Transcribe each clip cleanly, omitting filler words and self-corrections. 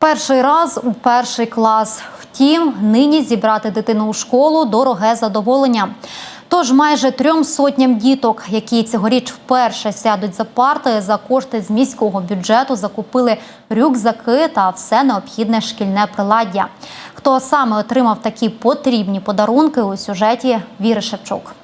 Перший раз у перший клас. Втім, нині зібрати дитину у школу – дороге задоволення. Тож майже 300 діток, які цьогоріч вперше сядуть за парти, за кошти з міського бюджету закупили рюкзаки та все необхідне шкільне приладдя. Хто саме отримав такі потрібні подарунки – у сюжеті Віри Шевчук.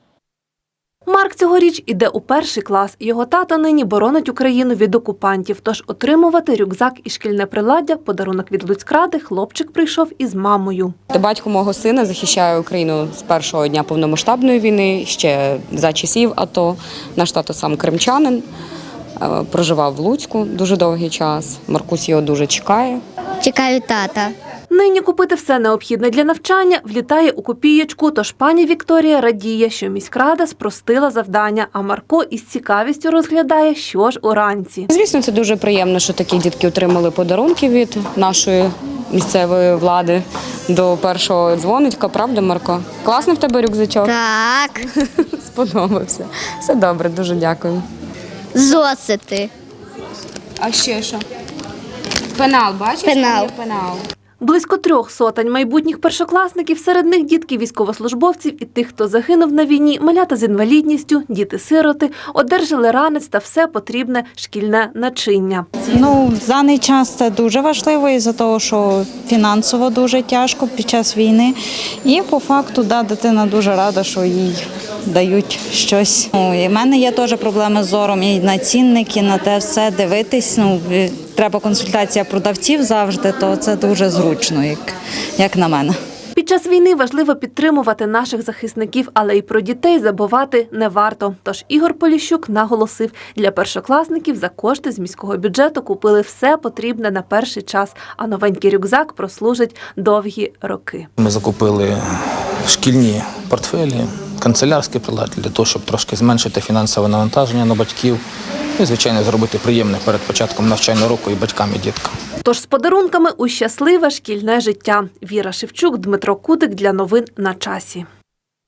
Марк цьогоріч іде у перший клас. Його тато нині боронить Україну від окупантів. Тож отримувати рюкзак і шкільне приладдя, подарунок від Луцькради, хлопчик прийшов із мамою. Батько мого сина захищає Україну з першого дня повномасштабної війни, ще за часів АТО. Наш тато сам кримчанин, проживав в Луцьку дуже довгий час. Маркусь його дуже чекає. Чекаю тата. Нині купити все необхідне для навчання влітає у копієчку, тож пані Вікторія радіє, що міськрада спростила завдання, а Марко із цікавістю розглядає, що ж уранці. Звісно, це дуже приємно, що такі дітки отримали подарунки від нашої місцевої влади до першого дзвоничка. Правда, Марко? Класний в тебе рюкзачок? Так. Сподобався. Все добре, дуже дякую. Зосити. А ще що? Пенал, бачиш? Пенал. Пенал. Близько 300 майбутніх першокласників, серед них дітки військовослужбовців і тих, хто загинув на війні, малята з інвалідністю, діти-сироти, одержали ранець та все потрібне шкільне начиння. В даний час це дуже важливо із-за того, що фінансово дуже тяжко під час війни. І по факту, дитина дуже рада, що їй дають щось. І в мене є теж проблеми з зором, і на цінники, на те все дивитись. Треба консультація продавців завжди, то це дуже зручно, як на мене. Під час війни важливо підтримувати наших захисників, але й про дітей забувати не варто. Тож Ігор Поліщук наголосив, для першокласників за кошти з міського бюджету купили все потрібне на перший час, а новенький рюкзак прослужить довгі роки. Ми закупили шкільні портфелі, канцелярські прилади для того, щоб трошки зменшити фінансове навантаження на батьків і, звичайно, зробити приємне перед початком навчального року і батькам, і діткам. Тож з подарунками у щасливе шкільне життя. Віра Шевчук, Дмитро Кудик для новин на часі.